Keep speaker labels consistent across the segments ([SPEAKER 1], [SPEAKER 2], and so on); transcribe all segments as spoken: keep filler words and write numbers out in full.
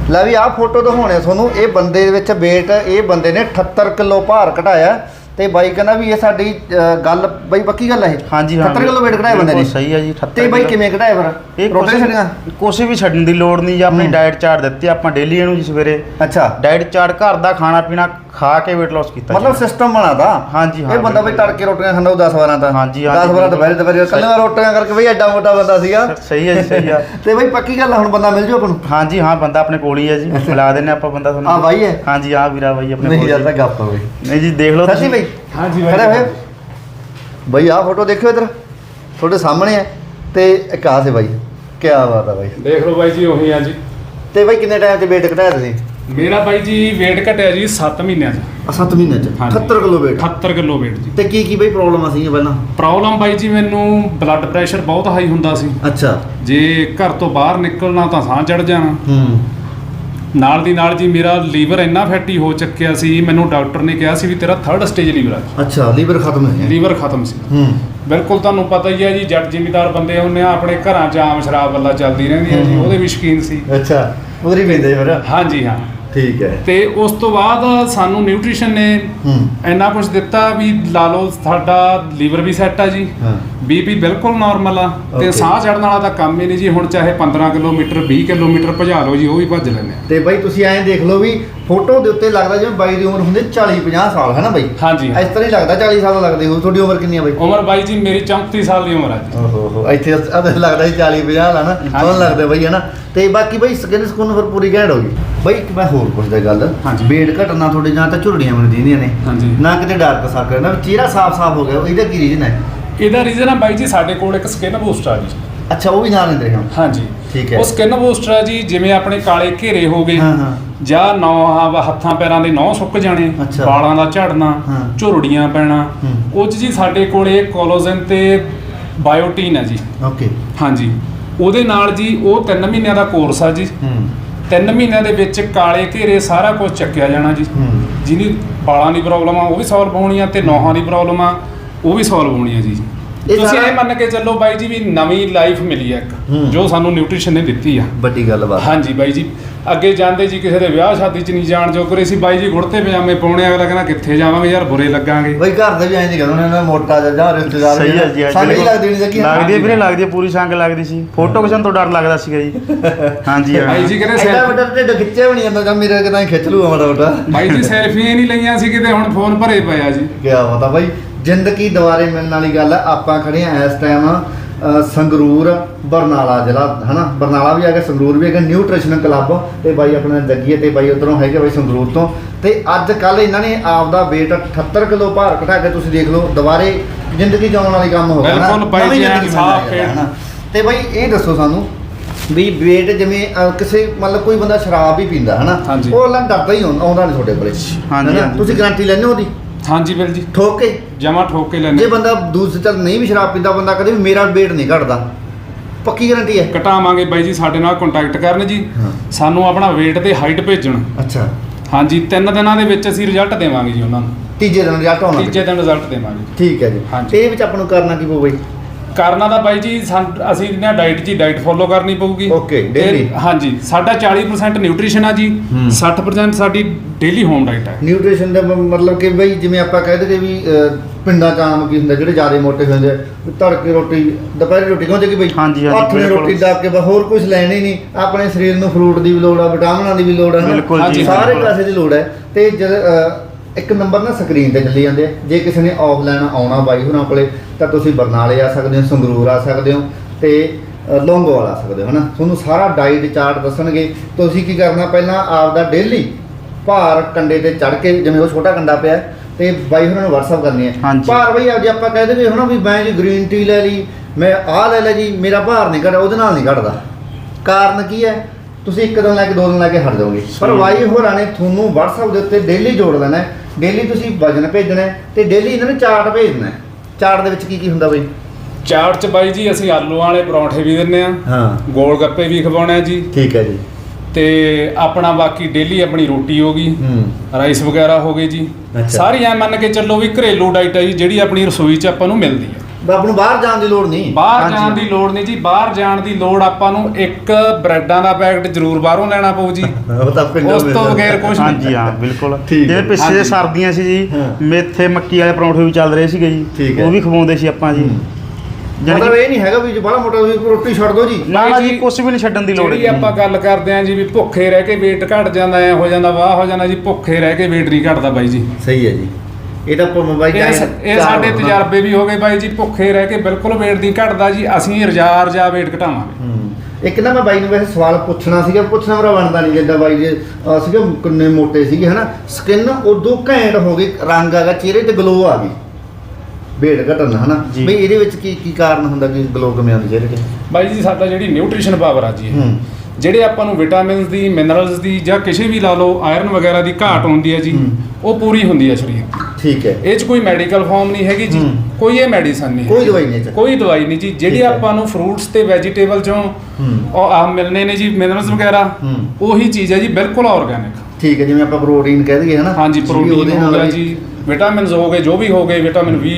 [SPEAKER 1] ਲੈ ਵੀ ਆਹ ਫੋਟੋ ਦਿਖਾਉਣੇ ਤੁਹਾਨੂੰ। ਇਹ ਬੰਦੇ ਦੇ ਵਿੱਚ weight ਇਹ ਬੰਦੇ ਨੇ ਅਠੱਤਰ ਕਿਲੋ ਭਾਰ ਘਟਾਇਆ ਤੇ ਬਾਈ ਕਹਿੰਦਾ ਵੀ ਇਹ ਸਾਡੀ ਗੱਲ ਬਾਈ ਪੱਕੀ ਗੱਲ ਹੈ।
[SPEAKER 2] ਹਾਂਜੀ ਹਾਂ
[SPEAKER 1] ਅਠੱਤਰ ਕਿਲੋ weight ਘਟਾਇਆ ਬੰਦੇ ਨੇ।
[SPEAKER 2] ਸਹੀ ਹੈ ਜੀ।
[SPEAKER 1] ਤੇ ਬਾਈ ਕਿਵੇਂ ਘਟਾਇਆ ਫਿਰ?
[SPEAKER 2] ਇਹ
[SPEAKER 1] ਰੋਟੀ ਛੱਡੀਆਂ
[SPEAKER 2] ਕੁਛ ਵੀ ਛੱਡਣ ਦੀ ਲੋੜ ਨਹੀਂ ਜੀ। ਆਪਣੀ ਡਾਈਟ ਚਾਰਟ ਦਿੱਤੀ ਆਪਾਂ ਡੇਲੀ ਇਹਨੂੰ ਜੀ ਸਵੇਰੇ।
[SPEAKER 1] ਅੱਛਾ
[SPEAKER 2] ਡਾਈਟ ਚਾਰਟ ਘਰ ਦਾ ਖਾਣਾ ਪੀਣਾ ਖਾ ਕੇ weight loss ਕੀਤਾ
[SPEAKER 1] ਮਤਲਬ ਸਿਸਟਮ ਬਣਾਦਾ।
[SPEAKER 2] ਹਾਂਜੀ ਹਾਂ
[SPEAKER 1] ਇਹ ਬੰਦਾ ਬਈ ਤੜਕੇ ਰੋਟੀਆਂ ਖਾਂਦਾ ਉਹ ਦਸ ਵਾਰਾਂ ਤਾਂ।
[SPEAKER 2] ਹਾਂਜੀ
[SPEAKER 1] ਦਸ ਵਾਰਾਂ ਦੁਪਹਿਰੇ ਦੁਪਹਿਰੇ ਕੱਲੀਆਂ ਰੋਟੀਆਂ ਕਰਕੇ ਬਈ ਐਡਾ ਮੋਟਾ ਬੰਦਾ ਸੀਗਾ।
[SPEAKER 2] ਸਹੀ ਹੈ ਜੀ ਸਹੀ ਆ।
[SPEAKER 1] ਤੇ ਬਈ ਪੱਕੀ ਗੱਲ ਹੁਣ ਬੰਦਾ ਮਿਲ ਜੂ ਆਪਾਂ ਨੂੰ?
[SPEAKER 2] ਹਾਂਜੀ ਹਾਂ ਬੰਦਾ ਆਪਣੇ ਕੋਲ ਹੀ ਹੈ ਜੀ। ਮਿਲਾ ਦਿੰਨੇ ਆਪਾਂ ਬੰਦਾ ਤੁਹਾਨੂੰ।
[SPEAKER 1] ਆ ਬਾਈ ਹੈ?
[SPEAKER 2] ਹਾਂਜੀ ਆ ਵੀਰਾ ਬਾਈ ਆਪਣੇ ਕੋਲ।
[SPEAKER 1] ਨਹੀਂ ਜਾਂਦਾ ਗੱਪ ਬਈ।
[SPEAKER 2] ਨਹੀਂ ਜੀ ਦੇਖ ਲਓ
[SPEAKER 1] ਸੱਚੀ ਬਈ?
[SPEAKER 3] ਹਾਂਜੀ
[SPEAKER 1] ਖੜਾ ਹੋਇਆ ਬਈ। ਆਹ ਫੋਟੋ ਦੇਖਿਓ ਇੱਧਰ ਤੁਹਾਡੇ ਸਾਹਮਣੇ ਹੈ ਤੇ ਇੱਕ ਆਹ ਸੇ ਬਾਈ। ਕੀ ਬਾਤ ਹੈ ਬਾਈ।
[SPEAKER 3] ਦੇਖ ਲਓ ਬਾਈ ਜੀ ਉਹੀ ਆ ਜੀ।
[SPEAKER 1] ਤੇ ਬਾਈ ਕਿੰਨੇ ਟਾਈਮ 'ਚ weight ਘਟਾਇਆ ਤੁਸੀਂ?
[SPEAKER 3] ਮੇਰਾ ਬਾਈ ਜੀ weight ਘਟਿਆ ਜੀ ਸੱਤ ਮਹੀਨਿਆਂ 'ਚ।
[SPEAKER 1] ਸੱਤ ਮਹੀਨਿਆਂ 'ਚ ਅਠੱਤਰ ਕਿਲੋ weight?
[SPEAKER 3] ਅਠੱਤਰ ਕਿਲੋ weight ਜੀ।
[SPEAKER 1] ਤੇ ਕੀ ਕੀ ਬਈ ਪ੍ਰੋਬਲਮ ਸੀ ਪਹਿਲਾਂ?
[SPEAKER 3] ਪ੍ਰੋਬਲਮ ਬਾਈ ਜੀ ਮੈਨੂੰ ਬਲੱਡ ਪ੍ਰੈਸ਼ਰ ਬਹੁਤ ਹਾਈ ਹੁੰਦਾ ਸੀ।
[SPEAKER 1] ਅੱਛਾ।
[SPEAKER 3] ਜੇ ਘਰ ਤੋਂ ਬਾਹਰ ਨਿਕਲਣਾ ਤਾਂ ਸਾਹ ਚੜ ਜਾਣਾ।
[SPEAKER 1] ਹੂੰ।
[SPEAKER 3] ਨਾਲ ਦੀ ਨਾਲ ਜੀ ਮੇਰਾ ਲੀਵਰ ਇੰਨਾ ਫੈਟੀ ਹੋ ਚੁੱਕਿਆ ਸੀ, ਮੈਨੂੰ ਡਾਕਟਰ ਨੇ ਕਿਹਾ ਸੀ ਵੀ ਤੇਰਾ ਥਰਡ ਸਟੇਜ ਲੀਵਰ ਆ।
[SPEAKER 1] ਅੱਛਾ ਲੀਵਰ ਖਤਮ ਹੈ?
[SPEAKER 3] ਲੀਵਰ ਖਤਮ ਸੀ।
[SPEAKER 1] ਹੂੰ।
[SPEAKER 3] ਬਿਲਕੁਲ ਤੁਹਾਨੂੰ ਪਤਾ ਹੀ ਹੈ ਜੀ ਜੱਟ ਜ਼ਿਮੀਦਾਰ ਬੰਦੇ ਹੁੰਦੇ ਆ, ਆਪਣੇ ਘਰਾਂ 'ਚ ਆਮ ਸ਼ਰਾਬ ਵੱਲਾ ਚੱਲਦੀ ਰਹਿੰਦੀ ਹੈ ਜੀ, ਉਹਦੇ ਵੀ ਸ਼ੌਕੀਨ ਸੀ।
[SPEAKER 1] ਅੱਛਾ ਉਧਰ ਹੀ ਪੈਂਦੇ ਫਿਰ?
[SPEAKER 3] ਹਾਂਜੀ ਹਾਂ।
[SPEAKER 1] ਠੀਕ ਹੈ।
[SPEAKER 3] ਤੇ ਉਸ ਤੋਂ ਬਾਅਦ ਸਾਨੂੰ ਨਿਊਟ੍ਰੀਸ਼ਨ ਨੇ ਇੰਨਾ ਕੁਝ ਦਿੱਤਾ ਵੀ ਲਾ ਲਓ ਸਾਡਾ ਲੀਵਰ ਵੀ ਸੈੱਟ ਆ ਜੀ, ਬੀਪੀ ਬਿਲਕੁਲ ਨਾਰਮਲ ਆ ਤੇ ਸਾਹ ਚੜਨ ਵਾਲਾ ਤਾਂ ਕੰਮ ਹੀ ਨਹੀਂ ਜੀ। ਹੁਣ ਚਾਹੇ ਪੰਦਰਾਂ ਕਿਲੋਮੀਟਰ ਵੀਹ ਕਿਲੋਮੀਟਰ ਭਜਾ ਲਓ ਜੀ, ਉਹ ਵੀ ਭੱਜ ਲੈਂਦੇ ਆ।
[SPEAKER 1] ਤੇ ਬਾਈ ਤੁਸੀਂ ਐਂ ਦੇਖ ਲਓ ਵੀ ਫੋਟੋ ਦੇ ਉੱਤੇ ਲੱਗਦਾ ਜਿਵੇਂ ਬਾਈ ਦੀ ਉਮਰ ਹੁੰਦੀ ਚਾਲੀ ਪੰਜਾਹ ਸਾਲ ਹੈ ਨਾ ਬਾਈ?
[SPEAKER 3] ਹਾਂਜੀ
[SPEAKER 1] ਇਸ ਤਰ੍ਹਾਂ ਹੀ ਲੱਗਦਾ ਚਾਲੀ ਸਾਲ ਲੱਗਦੇ ਹੋ। ਤੁਹਾਡੀ ਉਮਰ ਕਿੰਨੀ ਆ ਬਾਈ?
[SPEAKER 3] ਉਮਰ ਬਾਈ ਜੀ ਮੇਰੀ ਚੌਂਤੀ ਸਾਲ ਦੀ ਉਮਰ ਆ ਜੀ।
[SPEAKER 1] ਓਹੋ ਹੋ ਇੱਥੇ ਲੱਗਦਾ ਸੀ ਚਾਲੀ ਪੰਜਾਹ ਹੈ ਨਾ, ਤੁਹਾਨੂੰ ਲੱਗਦਾ ਬਾਈ ਹੈ ਨਾ। ਤੇ ਬਾਕੀ ਬਾਈ ਸਕਿਨ ਸਕੂਨ ਫਿਰ ਪੂਰੀ ਘੈਂਟ ਹੋ ਗਈ ਬਾਈ। ਇੱਕ ਮੈਂ ਹੋਰ ਪੁੱਛਦਾ ਗੱਲ, weight ਘਟਣਾ ਤੁਹਾਡੇ ਜਾਂ ਤਾਂ ਝੁਰੜੀਆਂ ਮੈਨੂੰ ਦਿੰਦੀਆਂ ਨੇ ਨਾ ਕਿਤੇ ਡਾਰਕ ਸਰਕਲ ਨਾ, ਚਿਹਰਾ ਸਾਫ਼ ਸਾਫ਼ ਹੋ ਗਿਆ, ਇਹਦਾ ਕੀ ਰੀਜ਼ਨ ਹੈ?
[SPEAKER 3] ਇਹਦਾ ਰੀਜ਼ਨ ਆ ਬਾਈ ਜੀ ਸਾਡੇ ਕੋਲ ਇੱਕ ਸਕਿਨ ਬੂਸਟਰ ਆ ਜੀ।
[SPEAKER 1] ਅੱਛਾ ਉਹ ਵੀ ਨਾਲ ਲੈਂਦੇ ਹਾਂ?
[SPEAKER 3] ਹਾਂਜੀ
[SPEAKER 1] ਠੀਕ ਹੈ।
[SPEAKER 3] ਉਹ ਸਕਿਨ ਬੂਸਟਰ ਆ ਜੀ, ਜਿਵੇਂ ਆਪਣੇ ਕਾਲੇ ਘੇਰੇ ਹੋ ਗਏ ਜਾਂ ਨੌ ਹੱਥਾਂ ਪੈਰਾਂ ਦੇ ਨੌ ਸੁੱਕ ਜਾਣੇ, ਵਾਲਾਂ ਦਾ ਝੜਨਾ, ਝੁਰੜੀਆਂ ਪੈਣਾ, ਉਹ 'ਚ ਜੀ ਸਾਡੇ ਕੋਲੇ ਕੋਲੋਜਨ ਤੇ ਬਾਇਓਟੀਨ ਹੈ ਜੀ।
[SPEAKER 1] ਓਕੇ।
[SPEAKER 3] ਹਾਂਜੀ ਉਹਦੇ ਨਾਲ ਜੀ ਉਹ ਤਿੰਨ ਮਹੀਨਿਆਂ ਦਾ ਕੋਰਸ ਆ ਜੀ। ਤਿੰਨ ਮਹੀਨਿਆਂ ਦੇ ਵਿੱਚ ਕਾਲੇ ਘੇਰੇ ਸਾਰਾ ਕੁਝ ਚੱਕਿਆ ਜਾਣਾ ਜੀ। ਜਿਹਦੀ ਵਾਲਾਂ ਦੀ ਪ੍ਰੋਬਲਮ ਆ ਉਹ ਵੀ ਸੋਲਵ ਹੋਣੀ ਆ ਤੇ ਨੌਹਾਂ ਦੀ ਪ੍ਰੋਬਲਮ ਆ ਉਹ ਵੀ ਸੋਲਵ ਹੋਣੀ ਆ ਜੀ। ਤੁਸੀਂ ਇਹ ਮੰਨ ਕੇ ਚੱਲੋ ਬਾਈ ਜੀ ਵੀ ਨਵੀਂ ਲਾਈਫ ਮਿਲੀ ਆ ਇੱਕ, ਜੋ ਸਾਨੂੰ ਨਿਊਟ੍ਰੀਸ਼ਨ ਨੇ ਦਿੱਤੀ ਆ।
[SPEAKER 1] ਵੱਡੀ ਗੱਲ ਬਾਤ।
[SPEAKER 3] ਹਾਂਜੀ ਬਾਈ ਜੀ ਅੱਗੇ ਜਾਂਦੇ ਜੀ ਕਿਸੇ ਦੇ ਵਿਆਹ ਸ਼ਾਦੀ 'ਚ ਨਹੀਂ ਜਾਣ ਜੋਗਰੇ ਸੀ ਬਾਈ ਜੀ, ਕੁੜਤੇ ਪਜਾਮੇ ਪਾਉਣੇ, ਅਗਲਾ ਕਹਿੰਦਾ ਕਿੱਥੇ ਜਾਵਾਂਗੇ ਯਾਰ ਬੁਰੇ ਲੱਗਾਂਗੇ।
[SPEAKER 1] ਬਾਈ ਘਰ ਦੇ ਵੀ ਐਂ ਨਹੀਂ ਕਹਿੰਦੇ ਉਹਨਾਂ ਮੋਟਾ ਜਾਂ ਰਿਸ਼ਤੇਦਾਰ।
[SPEAKER 2] ਸਹੀ ਹੈ ਜੀ।
[SPEAKER 1] ਸੰਗ ਨਹੀਂ ਲੱਗਦੀ ਨਹੀਂ ਲੱਗੀ?
[SPEAKER 2] ਲੱਗਦੀ ਵੀਰੇ ਲੱਗਦੀ, ਪੂਰੀ ਸੰਗ ਲੱਗਦੀ ਸੀ। ਫੋਟੋ ਖਿਚਣ ਤੋਂ ਡਰ ਲੱਗਦਾ ਸੀਗਾ ਜੀ। ਹਾਂਜੀ
[SPEAKER 3] ਬਾਈ ਜੀ ਕਹਿੰਦੇ
[SPEAKER 1] ਐਡਾ ਵੱਡਾ ਢਿੱਡ ਖਿੱਚਿਆ ਵੀ ਨਹੀਂ ਜਾਂਦਾ ਜਾਂ ਮੇਰੇ ਕਿਦਾਂ ਖਿੱਚ ਲੂਗਾ ਮਾੜਾ ਮੋਟਾ।
[SPEAKER 3] ਬਾਈ ਜੀ ਸੈਲਫੀਆਂ ਨਹੀਂ ਲਈਆਂ ਸੀ ਕਿਤੇ, ਹੁਣ ਫੋਨ ਭਰੇ ਪਏ ਆ ਜੀ।
[SPEAKER 1] ਕੀ ਪਤਾ ਬਾਈ ਜ਼ਿੰਦਗੀ ਦੁਬਾਰੇ ਮਿਲਣ ਵਾਲੀ ਗੱਲ ਹੈ। ਆਪਾਂ ਖੜੇ ਆ ਇਸ ਟਾਈਮ ਸੰਗਰੂਰ ਬਰਨਾਲਾ ਜ਼ਿਲ੍ਹਾ ਹੈ ਨਾ, ਬਰਨਾਲਾ ਵੀ ਆ ਗਿਆ, ਸੰਗਰੂਰ ਵੀ ਹੈਗਾ, ਨਿਊਟ੍ਰੀਸ਼ਨ ਕਲੱਬ ਤੇ ਬਾਈ ਆਪਣਾ ਜੱਗੀ ਤੇ ਬਾਈ ਉਧਰੋਂ ਹੈਗੇ ਬਾਈ ਸੰਗਰੂਰ ਤੋਂ। ਤੇ ਅੱਜ ਕੱਲ ਇਹਨਾਂ ਨੇ ਆਪਦਾ weight ਅਠੱਤਰ ਕਿਲੋ ਭਾਰ ਘਟਾ ਕੇ ਤੁਸੀਂ ਦੇਖ ਲਓ ਦੁਬਾਰੇ ਜ਼ਿੰਦਗੀ ਜਿਉਣ ਵਾਲੀ ਕੰਮ ਹੋ ਗਿਆ
[SPEAKER 3] ਬਿਲਕੁਲ ਬਾਈ ਜੀ ਸਾਫ ਪੇਟ।
[SPEAKER 1] ਤੇ ਬਾਈ ਇਹ ਦੱਸੋ ਸਾਨੂੰ ਵੀ weight ਜਿਵੇਂ ਕਿਸੇ ਮਤਲਬ ਕੋਈ ਬੰਦਾ ਸ਼ਰਾਬ ਵੀ ਪੀਂਦਾ ਹੈ ਨਾ, ਉਹ ਅਗਲਾ ਡਰਦਾ ਹੀ ਆਉਂਦਾ ਨਹੀਂ ਤੁਹਾਡੇ ਕੋਲੇ, ਤੁਸੀਂ ਗਾਰੰਟੀ ਲੈਂਦੇ ਹੋ ਉਹਦੀ?
[SPEAKER 3] ਹਾਂਜੀ ਬਿਲ ਜੀ
[SPEAKER 1] ਠੋਕ ਕੇ
[SPEAKER 3] ਜਮਾ ਠੋਕ ਕੇ ਲੈਣੇ।
[SPEAKER 1] ਜੇ ਬੰਦਾ ਦੂਸਰੇ ਚੱਲ ਨਹੀਂ ਵੀ ਸ਼ਰਾਬ ਪੀਂਦਾ ਬੰਦਾ ਕਦੇ ਵੀ ਮੇਰਾ weight ਨਹੀਂ ਘਟਦਾ, ਪੱਕੀ ਗਾਰੰਟੀ ਹੈ?
[SPEAKER 3] ਘਟਾਵਾਂਗੇ ਬਾਈ ਜੀ, ਸਾਡੇ ਨਾਲ ਕੰਟੈਕਟ ਕਰਨ ਜੀ, ਸਾਨੂੰ ਆਪਣਾ weight ਤੇ ਹਾਈਟ ਭੇਜਣ।
[SPEAKER 1] ਅੱਛਾ। ਹਾਂਜੀ
[SPEAKER 3] ਤਿੰਨ ਦਿਨਾਂ ਦੇ ਵਿੱਚ ਅਸੀਂ ਰਿਜ਼ਲਟ ਦੇਵਾਂਗੇ ਜੀ ਉਹਨਾਂ ਨੂੰ।
[SPEAKER 1] ਤੀਜੇ ਦਿਨ ਰਿਜ਼ਲਟ ਆਉਣਾ?
[SPEAKER 3] ਤੀਜੇ ਦਿਨ ਰਿਜ਼ਲਟ ਦੇਵਾਂਗੇ।
[SPEAKER 1] ਠੀਕ ਹੈ ਜੀ। ਤੇ ਇਹ ਵਿੱਚ ਆਪਾਂ ਨੂੰ ਕਰਨਾ ਕੀ ਪਊ ਬਾਈ?
[SPEAKER 3] ਕਰਨਾ ਤਾਂ ਬਾਈ ਜੀ ਅਸੀਂ ਨਾ ਡਾਈਟ ਜੀ ਡਾਈਟ ਫੋਲੋ ਕਰਨੀ ਪਊਗੀ।
[SPEAKER 1] Okay daily?
[SPEAKER 3] ਹਾਂਜੀ ਸਾਡਾ ਚਾਲੀ ਪਰਸੈਂਟ ਨਿਊਟ੍ਰੀਸ਼ਨ ਆ ਜੀ, ਸੱਠ ਪਰਸੈਂਟ ਸਾਡੀ ਡੇਲੀ ਹੋਮ ਡਾਈਟ ਹੈ।
[SPEAKER 1] ਨਿਊਟ੍ਰੀਸ਼ਨ ਦਾ ਮਤਲਬ ਕਿ ਬਈ ਜਿਵੇਂ ਆਪਾਂ ਕਹਿੰਦੇ ਕਿ ਵੀ ਪਿੰਡਾਂ ਚ ਆਮ ਕੀ ਹੁੰਦਾ ਜਿਹੜੇ ਜ਼ਿਆਦਾ ਮੋਟੇ ਹੁੰਦੇ ਆ, ਤੜਕੇ ਰੋਟੀ ਦੁਪਹਿਰੇ ਰੋਟੀ ਖਾਂਦੇ ਕਿ ਬਈ ਹੱਥ ਨੇ ਰੋਟੀ ਦੱਬ ਕੇ ਬਸ ਹੋਰ ਕੁਝ ਲੈਣੀ ਨਹੀਂ, ਆਪਣੇ ਸਰੀਰ ਨੂੰ ਫਰੂਟ ਦੀ ਵੀ ਲੋੜ ਆ, ਵਿਟਾਮਿਨਾਂ ਦੀ ਵੀ ਲੋੜ ਆ, ਸਾਰੇ ਪਾਸੇ ਦੀ ਲੋੜ ਹੈ। ਤੇ ਜਦ ਇੱਕ ਨੰਬਰ ਨਾ ਸਕਰੀਨ ਤੇ ਚੱਲੀ ਜਾਂਦੇ ਆ, ਜੇ ਕਿਸੇ ਨੇ ਆਫਲਾਈਨ ਆਉਣਾ ਬਾਈ ਹੋਰਾਂ ਕੋਲੇ ਤਾਂ ਤੁਸੀਂ ਬਰਨਾਲੇ ਆ ਸਕਦੇ ਹੋ, ਸੰਗਰੂਰ ਆ ਸਕਦੇ ਹੋ ਤੇ ਲੌਂਗੋਵਾਲ ਆ ਸਕਦੇ ਹੋ ਹੈ ਨਾ। ਤੁਹਾਨੂੰ ਸਾਰਾ ਡਾਈਟ ਚਾਰਟ ਦੱਸਣਗੇ। ਤੁਸੀਂ ਕੀ ਕਰਨਾ, ਪਹਿਲਾਂ ਆਪਦਾ ਡੇਲੀ ਭਾਰ ਕੰਡੇ ਤੇ ਚੜ੍ਹ ਕੇ, ਜਿਵੇਂ ਉਹ ਛੋਟਾ ਕੰਡਾ ਪਿਆ ਤੇ ਬਾਈ ਹੋਰਾਂ ਨੂੰ ਵਟਸਐਪ ਕਰਨੀ ਹੈ ਭਾਰ। ਬਈ ਅੱਜ ਆਪਾਂ ਕਹਿ ਦੇਵੇ ਹੁਣ ਵੀ ਮੈਂ ਜੀ ਗ੍ਰੀਨ ਟੀ ਲੈ ਲਈ, ਮੈਂ ਆਹ ਲੈ ਲਿਆ ਜੀ, ਮੇਰਾ ਭਾਰ ਨਹੀਂ ਘਟਦਾ, ਉਹਦੇ ਨਾਲ ਨਹੀਂ ਘਟਦਾ। ਕਾਰਨ ਕੀ ਹੈ? ਤੁਸੀਂ ਇੱਕ ਦਿਨ ਲੈ ਕੇ ਦੋ ਦਿਨ ਲੈ ਕੇ ਹਟ ਜਾਓਗੇ, ਪਰ ਬਾਈ ਹੋਰਾਂ ਨੇ ਤੁਹਾਨੂੰ ਵਟਸਐਪ ਦੇ ਉੱਤੇ ਡੇਲੀ ਜੋੜ ਲੈਣਾ। ਡੇਲੀ ਤੁਸੀਂ ਵਜਨ ਭੇਜਣਾ ਤੇ ਡੇਲੀ ਇਹਨਾਂ ਨੇ ਚਾਰਟ ਭੇਜਣਾ। ਚਾਰਟ ਦੇ ਵਿੱਚ ਕੀ ਕੀ ਹੁੰਦਾ ਬਈ?
[SPEAKER 3] ਚਾਰਟ 'ਚ ਬਾਈ ਜੀ ਅਸੀਂ ਆਲੂ ਵਾਲੇ ਪਰੌਂਠੇ ਵੀ ਦਿੰਦੇ ਆ, ਹਾਂ ਗੋਲ ਗੱਪੇ ਵੀ ਖਵਾਉਣੇ ਆ ਜੀ। ਠੀਕ ਹੈ ਜੀ। ਤੇ ਆਪਣਾ ਬਾਕੀ ਡੇਲੀ ਆਪਣੀ ਰੋਟੀ ਹੋ ਗਈ, ਰਾਈਸ ਵਗੈਰਾ ਹੋ ਗਏ ਜੀ, ਸਾਰੀ ਐ ਮੰਨ ਕੇ ਚੱਲੋ ਵੀ ਘਰੇਲੂ ਡਾਈਟ ਹੈ ਜੀ ਜਿਹੜੀ ਆਪਣੀ ਰਸੋਈ 'ਚ ਆਪਾਂ ਨੂੰ ਮਿਲਦੀ ਹੈ।
[SPEAKER 1] ਬਈ ਆਪਾਂ ਨੂੰ ਬਾਹਰ ਜਾਣ ਦੀ ਲੋੜ ਨਹੀਂ।
[SPEAKER 3] ਬਾਹਰ
[SPEAKER 2] ਹਾਂਜੀ।
[SPEAKER 3] ਜਾਣ ਦੀ ਲੋੜ ਨਹੀਂ ਜੀ, ਬਾਹਰ ਜਾਣ ਦੀ ਲੋੜ ਆਪਾਂ ਨੂੰ ਇੱਕ ਬ੍ਰੈਡਾਂ ਦਾ ਪੈਕਟ ਜ਼ਰੂਰ ਬਾਹਰੋਂ ਲੈਣਾ ਪਊ ਜੀ,
[SPEAKER 1] ਉਹ ਤਾਂ ਪਿੰਡੋਂ
[SPEAKER 3] ਉਸ ਤੋਂ ਬਗੈਰ ਕੁਝ
[SPEAKER 2] ਹਾਂਜੀ
[SPEAKER 3] ਨਹੀਂ।
[SPEAKER 2] ਹਾਂ ਬਿਲਕੁਲ।
[SPEAKER 1] ਠੀਕ ਹੈ।
[SPEAKER 2] ਜਿਵੇਂ ਪਿੱਛੇ
[SPEAKER 3] ਹਾਂਜੀ।
[SPEAKER 2] ਸਰਦੀਆਂ ਸੀ ਜੀ,
[SPEAKER 1] ਹਾਂ।
[SPEAKER 2] ਮੇਥੇ ਮੱਕੀ ਵਾਲੇ ਪਰੌਂਠੇ ਵੀ ਚੱਲ ਰਹੇ ਸੀਗੇ
[SPEAKER 1] ਠੀਕ
[SPEAKER 2] ਜੀ,
[SPEAKER 1] ਹੈ।
[SPEAKER 2] ਉਹ ਵੀ ਖਵਾਉਂਦੇ ਸੀ ਆਪਾਂ ਜੀ। ਜਾਣੀ
[SPEAKER 1] ਮਤਲਬ
[SPEAKER 2] ਕਿ
[SPEAKER 1] ਇਹ ਨਹੀਂ ਹੈਗਾ ਵੀ ਜੇ ਬਾਹਲਾ ਮੋਟਾ ਵੀ ਰੋਟੀ ਛੱਡ ਦੋ ਜੀ।
[SPEAKER 2] ਨਾ ਨਾ ਜੀ ਕੁਝ ਵੀ ਨਹੀਂ ਛੱਡਣ ਦੀ ਲੋੜ
[SPEAKER 3] ਜਿਹੜੀ ਆਪਾਂ ਗੱਲ ਕਰਦੇ ਆਂ ਜੀ ਵੀ ਭੁੱਖੇ ਰਹਿ ਕੇ weight ਘਟ ਜਾਂਦਾ ਐ ਹੋ ਜਾਂਦਾ ਵਾਹ ਹੋ ਜਾਂਦਾ ਜੀ, ਭੁੱਖੇ ਰਹਿ ਕੇ weight ਨਹੀਂ ਘਟਦਾ ਬਾਈ ਜੀ।
[SPEAKER 1] ਸਹੀ ਹੈ ਜੀ, ਇਹ ਤਾਂ ਆਪਾਂ ਮੋਬਾਈਲ
[SPEAKER 3] ਇਹ ਇਹ ਸਾਡੇ ਤਜਰਬੇ ਵੀ ਹੋ ਗਏ ਬਾਈ ਜੀ, ਭੁੱਖੇ ਰਹਿ ਕੇ ਬਿਲਕੁਲ weight ਨਹੀਂ ਘਟਦਾ ਜੀ, ਅਸੀਂ ਰਜਾ ਰਜਾ weight ਘਟਾਵਾਂਗੇ।
[SPEAKER 1] ਹੂੰ। ਇੱਕ ਨਾ ਮੈਂ ਬਾਈ ਨੂੰ ਵੈਸੇ ਸਵਾਲ ਪੁੱਛਣਾ ਸੀਗਾ, ਪੁੱਛਣਾ ਮੇਰਾ ਬਣਦਾ ਨਹੀਂ ਜਿੱਦਾਂ ਬਾਈ ਦੇ ਅਹ ਸੀਗੇ ਕਿੰਨੇ ਮੋਟੇ ਸੀਗੇ ਹਨਾ, ਸਕਿਨ ਉਦੋਂ ਘੈਂਟ ਹੋ ਗਈ, ਰੰਗ ਆ ਗਿਆ ਚਿਹਰੇ ਤੇ ਗਲੋ ਆ ਗਈ weight ਘਟਣ ਹਨਾ,
[SPEAKER 2] ਜੀ।
[SPEAKER 1] ਬਈ ਇਹਦੇ ਵਿੱਚ ਕੀ ਕੀ ਕਾਰਨ ਹੁੰਦਾ ਕਿ ਗਲੋ ਕਿਵੇਂ ਆਉਂਦੀ ਚਿਹਰੇ ਤੇ?
[SPEAKER 3] ਬਾਈ ਜੀ ਸਾਡਾ ਜਿਹੜੀ ਨਿਊਟ੍ਰੀਸ਼ਨ ਪਾਵਰ ਆ ਜੀ ਇਹ,
[SPEAKER 1] ਹੂੰ।
[SPEAKER 3] ਜਿਹੜੇ ਆਪਾਂ ਨੂੰ ਵਿਟਾਮਿਨਸ ਦੀ, ਮਿਨਰਲਸ ਦੀ ਜਾਂ ਕਿਸੇ ਵੀ ਲਾ ਲਓ ਆਇਰਨ ਵਗੈਰਾ ਦੀ ਘਾਟ ਹੁੰਦੀ ਹੈ ਜੀ,
[SPEAKER 1] ਹੂੰ।
[SPEAKER 3] ਉਹ ਪੂਰੀ ਹੁੰਦੀ ਹੈ ਸਰੀਰ ਦੀ।
[SPEAKER 1] ਠੀਕ ਹੈ।
[SPEAKER 3] ਇਹ 'ਚ ਕੋਈ ਮੈਡੀਕਲ ਫਾਰਮ ਨਹੀਂ ਹੈਗੀ ਜੀ,
[SPEAKER 1] ਹੂੰ।
[SPEAKER 3] ਕੋਈ ਇਹ ਮੈਡੀਸਨ ਨਹੀਂ
[SPEAKER 1] ਕੋਈ
[SPEAKER 3] ਹੈਗੀ।
[SPEAKER 1] ਦਵਾਈ ਨਹੀਂ ਇਹ 'ਚ?
[SPEAKER 3] ਕੋਈ ਦਵਾਈ ਨਹੀਂ ਜੀ, ਜਿਹੜੀ
[SPEAKER 1] ਠੀਕ ਹੈ।
[SPEAKER 3] ਆਪਾਂ ਨੂੰ ਫਰੂਟਸ ਤੇ ਵੈਜੀਟੇਬਲ ਚੋਂ
[SPEAKER 1] ਹੂੰ।
[SPEAKER 3] ਉਹ ਆ ਮਿਲਨੇ ਨੇ ਜੀ ਮਿਨਰਲਸ ਵਗੈਰਾ,
[SPEAKER 1] ਹੂੰ।
[SPEAKER 3] ਉਹੀ ਚੀਜ਼ ਹੈ ਜੀ, ਬਿਲਕੁਲ ਆਰਗੈਨਿਕ।
[SPEAKER 1] ਠੀਕ ਹੈ, ਜਿਵੇਂ ਆਪਾਂ ਪ੍ਰੋਟੀਨ ਕਹਿ ਦਈਏ ਹਨਾ।
[SPEAKER 3] ਹਾਂਜੀ,
[SPEAKER 1] ਵੀ
[SPEAKER 3] ਪ੍ਰੋਟੀਨ
[SPEAKER 1] ਉਹਦੇ
[SPEAKER 3] ਹੋ
[SPEAKER 1] ਨਾਲ
[SPEAKER 3] ਗਿਆ
[SPEAKER 1] ਵੀ-
[SPEAKER 3] ਜੀ, ਵਿਟਾਮਿਨਸ ਹੋ ਗਏ ਜੋ ਵੀ ਹੋ ਗਏ, vitamin B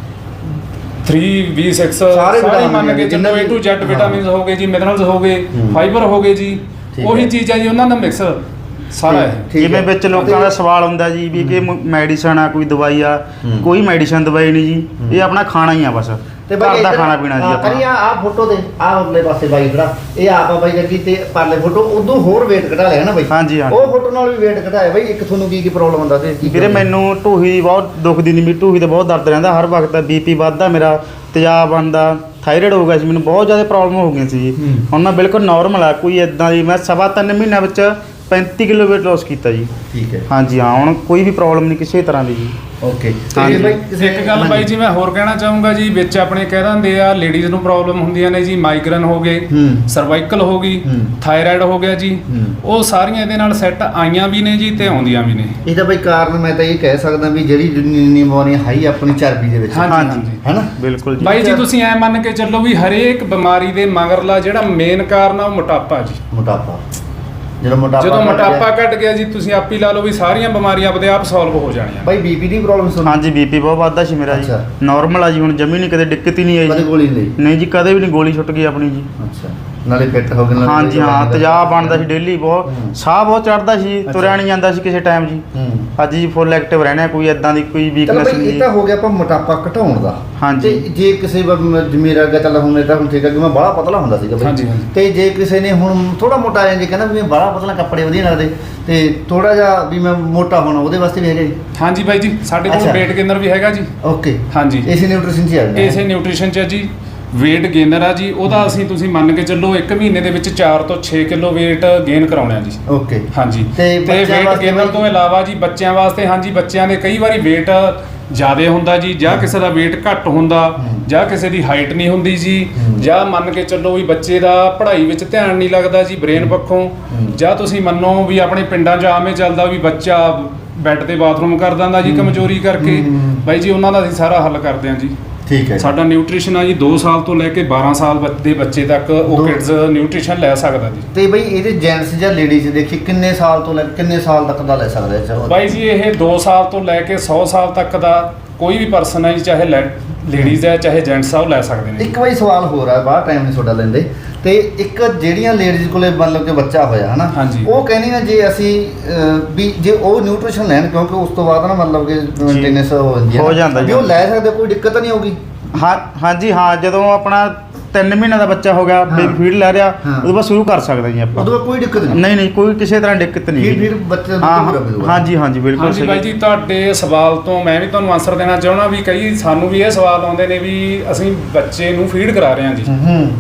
[SPEAKER 3] three B six
[SPEAKER 1] ਸਾਰੇ
[SPEAKER 3] ਸਾਰੇ
[SPEAKER 1] ਵਿਟਾਮਿਨ
[SPEAKER 3] ਮੰਨ ਕੇ
[SPEAKER 1] ਜਿੰਨੇ
[SPEAKER 3] ਚੱਲੋ
[SPEAKER 1] ਵੀ-
[SPEAKER 3] A to Z
[SPEAKER 1] ਹਾਂ।
[SPEAKER 3] ਵਿਟਾਮਿਨਸ ਹੋ ਗਏ ਜੀ, ਮਿਨਰਲਸ ਹੋ ਗਏ,
[SPEAKER 1] ਹੂੰ।
[SPEAKER 3] ਫਾਈਬਰ ਹੋ ਗਏ ਜੀ,
[SPEAKER 1] ਠੀਕ
[SPEAKER 3] ਉਹੀ
[SPEAKER 1] ਹੈ।
[SPEAKER 3] ਚੀਜ਼ ਹੈ ਜੀ, ਉਹਨਾਂ ਦਾ ਮਿਕਸ ਸਾਰਾ ਹੈ।
[SPEAKER 1] ਠੀਕ
[SPEAKER 2] ਜਿਵੇਂ
[SPEAKER 1] ਹੈ।
[SPEAKER 2] ਵਿੱਚ ਲੋਕਾਂ ਦਾ ਸਵਾਲ ਹੁੰਦਾ ਜੀ ਵੀ ਕਿ ਮੈਡੀਸਨ ਆ, ਕੋਈ ਦਵਾਈ ਆ,
[SPEAKER 1] ਹੂੰ।
[SPEAKER 2] ਕੋਈ ਮੈਡੀਸਨ ਦਵਾਈ ਨਹੀਂ ਜੀ, ਇਹ ਆਪਣਾ ਖਾਣਾ ਹੀ ਆ ਬਸ,
[SPEAKER 1] ਤੇ
[SPEAKER 2] ਘਰ
[SPEAKER 1] ਬਾਈ
[SPEAKER 2] ਦਾ
[SPEAKER 1] ਇੱਧਰ-
[SPEAKER 2] ਖਾਣਾ ਪੀਣਾ ਜੀ
[SPEAKER 1] ਹਾਂ,
[SPEAKER 2] ਆਪਣਾ।
[SPEAKER 1] ਕਰੀ ਆ ਆ ਫੋਟੋ ਦੇ ਆ ਉਰਲੇ ਪਾਸੇ ਬਾਈ ਖੜਾ, ਇਹ ਆਪ ਆ ਬਾਈ ਜੱਗੀ ਤੇ ਪਰਲੇ ਫੋਟੋ ਉਦੋਂ ਹੋਰ weight ਘਟਾ ਲਿਆ ਨਾ ਬਾਈ।
[SPEAKER 2] ਹਾਂਜੀ, ਹਾਂਜੀ।
[SPEAKER 1] ਉਹ ਫੋਟੋ ਨਾਲ ਵੀ weight ਘਟਾਇਆ ਬਾਈ। ਇੱਕ ਤੁਹਾਨੂੰ ਕੀ ਕੀ ਪ੍ਰੋਬਲਮ ਹੁੰਦਾ ਸੀ? ਕੀ
[SPEAKER 2] ਵੀਰੇ
[SPEAKER 1] problem?
[SPEAKER 2] ਮੈਨੂੰ ਢੂਹੀ ਦੀ ਬਹੁਤ ਦੁਖਦੀ ਨਹੀਂ, ਮੇਰੀ ਢੂਹੀ ਤੇ ਬਹੁਤ ਦਰਦ ਰਹਿੰਦਾ ਹਰ ਵਕਤ, ਬੀਪੀ ਵੱਧਦਾ ਮੇਰਾ, ਤੇਜ਼ਾਬ ਬਣਦਾ, ਥਾਇਰਾਇਡ ਹੋ ਗਿਆ ਸੀ ਮੈਨੂੰ, ਬਹੁਤ ਜ਼ਿਆਦਾ ਪ੍ਰੋਬਲਮ ਹੋ ਗਈਆਂ ਸੀ ਜੀ।
[SPEAKER 1] ਹੂੰ।
[SPEAKER 2] ਹੁਣ ਮੈਂ ਬਿਲਕੁਲ ਨਾਰਮਲ ਆ, ਕੋਈ ਇਦਾਂ ਦੀ, ਮੈਂ ਸਵਾ ਤਿੰਨ ਮਹੀਨਿਆਂ ਵਿੱਚ ਪੈਂਤੀ ਕਿਲੋ weight loss ਕੀਤਾ ਜੀ।
[SPEAKER 1] ਠੀਕ ਹੈ।
[SPEAKER 2] ਹਾਂਜੀ ਹਾਂ, ਹੁਣ ਕੋਈ ਵੀ ਪ੍ਰੋਬਲਮ ਨਹੀਂ ਕਿਸੇ ਤਰ੍ਹਾਂ ਦੀ ਜੀ।
[SPEAKER 1] ਓਕੇ।
[SPEAKER 2] ਹਾਂਜੀ।
[SPEAKER 1] ਤੇ ਬਾਈ ਕਿਸੇ-
[SPEAKER 3] ਇੱਕ ਗੱਲ ਬਾਈ ਜੀ ਮੈਂ ਹੋਰ ਕਹਿਣਾ ਚਾਹੂੰਗਾ ਜੀ, ਵਿੱਚ ਆਪਣੇ ਕਹਿ ਦਿੰਦੇ ਆ ਲੇਡੀਜ਼ ਨੂੰ ਪ੍ਰੋਬਲਮ ਹੁੰਦੀਆਂ ਨੇ ਜੀ, ਮਾਈਗ੍ਰੇਨ ਹੋ ਗਏ,
[SPEAKER 1] ਹੂੰ।
[SPEAKER 3] ਸਰਵਾਈਕਲ ਹੋ ਗਈ,
[SPEAKER 1] ਹੂੰ।
[SPEAKER 3] ਥਾਇਰਾਇਡ ਹੋ ਗਿਆ ਜੀ,
[SPEAKER 1] ਹੂੰ।
[SPEAKER 3] ਉਹ ਸਾਰੀਆਂ ਇਹਦੇ ਨਾਲ ਸੈੱਟ ਆਈਆਂ ਵੀ ਨੇ ਜੀ ਤੇ ਆਉਂਦੀਆਂ ਵੀ ਨੇ।
[SPEAKER 1] ਇਹਦਾ ਬਾਈ ਕਾਰਨ ਮੈਂ ਤਾਂ ਇਹ ਕਹਿ ਸਕਦਾ ਵੀ ਜਿਹੜੀ ਨਿਮੋਨੀ ਹਾਈ ਆਪਣੀ ਚਰਬੀ ਦੇ ਵਿੱਚ
[SPEAKER 3] ਹਾਂਜੀ,
[SPEAKER 2] ਹਾਂਜੀ।
[SPEAKER 3] ਹਾਂਜੀ।
[SPEAKER 1] ਹੈਨਾ।
[SPEAKER 2] ਬਿਲਕੁਲ ਜੀ।
[SPEAKER 3] ਬਾਈ ਜੀ ਤੁਸੀਂ ਐ ਮੰਨ ਕੇ ਚੱਲੋ ਵੀ ਹਰੇਕ ਬਿਮਾਰੀ ਦੇ ਮਗਰਲਾ ਜਿਹੜਾ ਮੇਨ ਕਾਰਨ ਆ ਉਹ ਮੋਟਾਪਾ ਜੀ।
[SPEAKER 1] ਮੋਟਾਪਾ, ਜਦੋਂ ਮੋਟਾਪਾ
[SPEAKER 3] ਜਦੋਂ
[SPEAKER 1] ਘਟ ਗਿਆ-
[SPEAKER 3] ਮੋਟਾਪਾ ਘਟ ਗਿਆ ਜੀ, ਤੁਸੀਂ ਆਪ ਹੀ ਲਾ ਲਓ ਵੀ ਸਾਰੀਆਂ ਬਿਮਾਰੀਆਂ ਆਪਦੇ ਆਪ ਸੋਲਵ ਹੋ ਜਾਣੀਆਂ।
[SPEAKER 1] ਬਾਈ ਬੀਪੀ ਦੀ ਪ੍ਰੋਬਲਮ ਸੁਣ।
[SPEAKER 2] ਹਾਂਜੀ ਬੀਪੀ ਬਹੁਤ ਵੱਧਦਾ ਸੀ ਮੇਰਾ ਜੀ,
[SPEAKER 1] ਅੱਛਾ।
[SPEAKER 2] ਨਾਰਮਲ ਆ ਜੀ, ਹੁਣ ਜਮੀ ਨਹੀਂ, ਕਦੇ ਦਿੱਕਤ ਹੀ ਨਹੀਂ ਆਈ
[SPEAKER 1] ਕਦੇ
[SPEAKER 2] ਜੀ।
[SPEAKER 1] ਗੋਲੀ ਨਹੀਂ ਲਈ?
[SPEAKER 2] ਨਹੀਂ ਜੀ, ਕਦੇ ਵੀ ਨਹੀਂ, ਗੋਲੀ ਛੁੱਟ ਗਈ ਆਪਣੀ ਜੀ।
[SPEAKER 1] ਅੱਛਾ, ਨਾਲੇ ਫਿੱਟ ਹੋ ਗਏ ਨਾਲੇ
[SPEAKER 2] ਹਾਂਜੀ ਹਾਂ, ਤੇਜ਼ਾਬ ਬਣਦਾ ਸੀ ਡੇਲੀ, ਬਹੁਤ
[SPEAKER 1] ਹੂੰ।
[SPEAKER 2] ਸਾਹ ਬਹੁਤ ਚੜਦਾ ਸੀ,
[SPEAKER 1] ਅੱਛਾ।
[SPEAKER 2] ਤੁਰਿਆ ਨਹੀਂ ਜਾਂਦਾ ਸੀ ਕਿਸੇ ਟਾਈਮ ਜੀ।
[SPEAKER 1] ਹੂੰ।
[SPEAKER 2] ਅੱਜ ਜੀ ਫੁੱਲ ਐਕਟਿਵ ਰਹਿਣਾ, ਕੋਈ ਇਦਾਂ ਦੀ ਕੋਈ
[SPEAKER 1] ਚਲੋ
[SPEAKER 2] ਵੀਕਨੈਸ
[SPEAKER 1] ਬਈ
[SPEAKER 2] ਨਹੀਂ
[SPEAKER 1] ਇਹ
[SPEAKER 2] ਜੀ।
[SPEAKER 1] ਤਾਂ ਹੋ ਗਿਆ ਆਪਾਂ ਮੋਟਾਪਾ ਘਟਾਉਣ ਦਾ।
[SPEAKER 2] ਹਾਂਜੀ।
[SPEAKER 1] ਤੇ ਜੇ ਕਿਸੇ ਵਾ- ਮ- ਮੇਰਾ ਅੱਗੇ ਚੱਲ ਹੁਣ ਇਹ ਤਾਂ ਹੁਣ ਠੀਕ ਹੈ ਕਿ ਮੈਂ ਬੜਾ ਪਤਲਾ ਹੁੰਦਾ ਸੀਗਾ ਬਈ।
[SPEAKER 3] ਹਾਂਜੀ, ਹਾਂਜੀ।
[SPEAKER 1] ਤੇ ਜੇ ਕਿਸੇ ਨੇ ਹੁਣ ਥੋੜਾ ਮੋਟਾ ਆ ਜਾਂ ਜੇ ਕਹਿੰਦਾ ਵੀ ਮੈਂ ਬੜਾ ਪਤਲਾ, ਕੱਪੜੇ ਵਧੀਆ ਲੱਗਦੇ ਤੇ ਥੋੜਾ ਜਿਹਾ ਵੀ ਮੈਂ ਮੋਟਾ ਹੋਣਾ, ਉਹਦੇ ਵਾਸਤੇ ਵੀ ਹੈਗਾ ਜੀ?
[SPEAKER 3] ਹਾਂਜੀ ਬਾਈ ਜੀ, ਸਾਡੇ ਕੋਲ
[SPEAKER 1] ਅੱਛਾ।
[SPEAKER 3] weight gainer ਵੀ ਹੈਗਾ ਜੀ।
[SPEAKER 1] ਓਕੇ।
[SPEAKER 3] ਹਾਂਜੀ,
[SPEAKER 1] ਇਸੇ ਨਿਊਟ੍ਰੀਸ਼ਨ ਚ ਆ ਜਾਂਦਾ
[SPEAKER 3] ਇਸੇ ਨਿਊਟ੍ਰੀਸ਼ਨ ਚ ਆ ਜੀ, weight gainer ਆ ਜੀ। ਉਹਦਾ ਅਸੀਂ ਤੁਸੀਂ ਮੰਨ ਕੇ ਚੱਲੋ ਇੱਕ ਮਹੀਨੇ ਦੇ ਵਿੱਚ ਚਾਰ ਤੋਂ ਛੇ ਕਿਲੋ weight gain ਕਰਾਉਣਾ ਹੈ ਜੀ।
[SPEAKER 1] ਓਕੇ।
[SPEAKER 3] ਹਾਂਜੀ,
[SPEAKER 1] ਤੇ
[SPEAKER 3] ਤੇ
[SPEAKER 1] ਬੱਚਿਆਂ
[SPEAKER 3] weight
[SPEAKER 1] ਵਾਸਤੇ
[SPEAKER 3] gainer
[SPEAKER 1] ਬਾਈ-
[SPEAKER 3] ਤੋਂ ਇਲਾਵਾ ਜੀ ਬੱਚਿਆਂ ਵਾਸਤੇ, ਹਾਂਜੀ ਬੱਚਿਆਂ ਦੇ ਕਈ ਵਾਰੀ weight ਜ਼ਿਆਦਾ ਹੁੰਦਾ ਜੀ, ਜਾਂ ਕਿਸੇ ਦਾ weight ਘੱਟ ਹੁੰਦਾ,
[SPEAKER 1] ਹੂੰ।
[SPEAKER 3] ਜਾਂ ਕਿਸੇ ਦੀ ਹਾਈਟ ਨਹੀਂ ਹੁੰਦੀ ਜੀ,
[SPEAKER 1] ਹੂੰ।
[SPEAKER 3] ਜਾਂ ਮੰਨ ਕੇ ਚੱਲੋ ਵੀ ਬੱਚੇ ਦਾ ਪੜ੍ਹਾਈ ਵਿੱਚ ਧਿਆਨ ਨਹੀਂ ਲੱਗਦਾ ਜੀ ਬ੍ਰੇਨ ਪੱਖੋਂ,
[SPEAKER 1] ਹੂੰ।
[SPEAKER 3] ਜਾਂ ਤੁਸੀਂ ਮੰਨੋ ਵੀ ਆਪਣੇ ਪਿੰਡਾਂ 'ਚ ਆਮੇ ਚੱਲਦਾ ਵੀ ਬੱਚਾ ਬੈੱਡ ਤੇ ਬਾਥਰੂਮ ਕਰ ਦਿੰਦਾ ਜੀ
[SPEAKER 1] ਹੂੰ।
[SPEAKER 3] ਕਮਜ਼ੋਰੀ ਕਰਕੇ।
[SPEAKER 1] ਹੂੰ।
[SPEAKER 3] ਬਾਈ ਜੀ ਉਹਨਾਂ ਦਾ ਅਸੀਂ ਸਾਰਾ ਹੱਲ ਕਰਦੇ ਹਾਂ ਜੀ।
[SPEAKER 1] ਠੀਕ ਹੈ।
[SPEAKER 3] ਸਾਡਾ ਨਿਊਟ੍ਰੀਸ਼ਨ ਆ ਜੀ ਦੋ ਸਾਲ ਤੋਂ ਲੈ ਕੇ ਬਾਰਾਂ ਸਾਲ ਬੱਚ- ਦੇ ਬੱਚੇ ਤੱਕ ਉਹ
[SPEAKER 1] ਦੋ-
[SPEAKER 3] ਕਿਡਜ਼ ਨਿਊਟ੍ਰੀਸ਼ਨ ਲੈ ਸਕਦਾ ਜੀ।
[SPEAKER 1] ਤੇ ਬਈ ਇਹਦੇ ਜੈਂਟਸ ਜਾਂ ਲੇਡੀਜ਼ ਦੇਖੀ ਕਿੰਨੇ ਸਾਲ ਤੋਂ ਲੈ ਕੇ ਕਿੰਨੇ ਸਾਲ ਤੱਕ ਦਾ ਲੈ ਸਕਦਾ ਹੈ?
[SPEAKER 3] ਬਾਈ ਜੀ ਇਹ ਦੋ ਸਾਲ ਤੋਂ ਲੈ ਕੇ ਸੌ ਸਾਲ ਤੱਕ ਦਾ ਕੋਈ ਵੀ ਪਰਸਨ ਹੈ ਜੀ, ਚਾਹੇ ਲੇਡੀਜ਼ ਹੈ ਚਾਹੇ ਜੈਂਟਸ ਆ, ਉਹ ਲੈ ਸਕਦੇ ਨੇ।
[SPEAKER 1] ਇੱਕ ਵਾਰੀ ਸਵਾਲ ਹੋਰ ਆ, ਬਾਹਰ ਟਾਈਮ ਨਹੀਂ ਤੁਹਾਡਾ ਲੈਂਦੇ, ਤੇ ਇੱਕ ਜਿਹੜੀਆਂ ਲੇਡੀਜ਼ ਕੋਲੇ ਮਤਲਬ ਕਿ ਬੱਚਾ ਹੋਇਆ ਹਨਾ,
[SPEAKER 3] ਹਾਂਜੀ।
[SPEAKER 1] ਉਹ ਕਹਿੰਦੀਆਂ ਜੇ ਅਸੀਂ ਅਹ, ਵੀ ਜੇ ਉਹ ਨਿਊਟ੍ਰੀਸ਼ਨ ਲੈਣ, ਕਿਉਂਕਿ ਉਸ ਤੋਂ ਬਾਅਦ ਨਾ ਮਤਲਬ ਕਿ ਮੇਨਟੇਨੈਂਸ ਹੋ ਜਾਂਦੀ ਹੈ
[SPEAKER 2] ਹੋ
[SPEAKER 1] ਨਾ,
[SPEAKER 2] ਜਾਂਦਾ
[SPEAKER 1] ਵੀ
[SPEAKER 2] ਜੀ।
[SPEAKER 1] ਉਹ ਲੈ ਸਕਦੇ, ਕੋਈ ਦਿੱਕਤ ਨਹੀਂ ਹੋਊਗੀ?
[SPEAKER 2] ਹਾਂ ਹਾਂਜੀ ਹਾਂ, ਜਦੋਂ ਆਪਣਾ ਤਿੰਨ ਮਹੀਨਿਆਂ ਦਾ ਬੱਚਾ ਹੋ ਗਿਆ,
[SPEAKER 1] ਹਾਂ।
[SPEAKER 2] ਬੇਬੀ ਫੀਡ ਲੈ ਰਿਹਾ,
[SPEAKER 1] ਹਾਂ।
[SPEAKER 2] ਉਦੋਂ ਬਾਅਦ ਸ਼ੁਰੂ ਕਰ ਸਕਦੇ ਜੀ ਆਪਾਂ।
[SPEAKER 1] ਉਦੋਂ ਬਾਅਦ ਕੋਈ ਦਿੱਕਤ ਨਹੀਂ?
[SPEAKER 2] ਨਹੀਂ ਨਹੀਂ, ਕੋਈ ਕਿਸੇ ਤਰ੍ਹਾਂ ਦਿੱਕਤ ਨਹੀਂ
[SPEAKER 1] ਫਿਰ
[SPEAKER 2] ਜੀ।
[SPEAKER 1] ਫਿਰ ਬੱਚੇ ਦਾ
[SPEAKER 2] ਹਾਂ
[SPEAKER 1] ਦੁੱਧ ਪੂਰਾ ਮਿਲੂਗਾ?
[SPEAKER 2] ਹਾਂਜੀ ਹਾਂਜੀ ਬਿਲਕੁਲ
[SPEAKER 3] ਹਾਂਜੀ ਬਾਈ
[SPEAKER 2] ਸਹੀ।
[SPEAKER 3] ਜੀ, ਤੁਹਾਡੇ ਸਵਾਲ ਤੋਂ ਮੈਂ ਵੀ ਤੁਹਾਨੂੰ ਆਨਸਰ ਦੇਣਾ ਚਾਹੁੰਦਾ ਵੀ ਕਈ ਸਾਨੂੰ ਵੀ ਇਹ ਸਵਾਲ ਆਉਂਦੇ ਨੇ ਵੀ ਅਸੀਂ ਬੱਚੇ ਨੂੰ ਫੀਡ ਕਰਾ ਰਹੇ ਹਾਂ ਜੀ,
[SPEAKER 1] ਹੂੰ।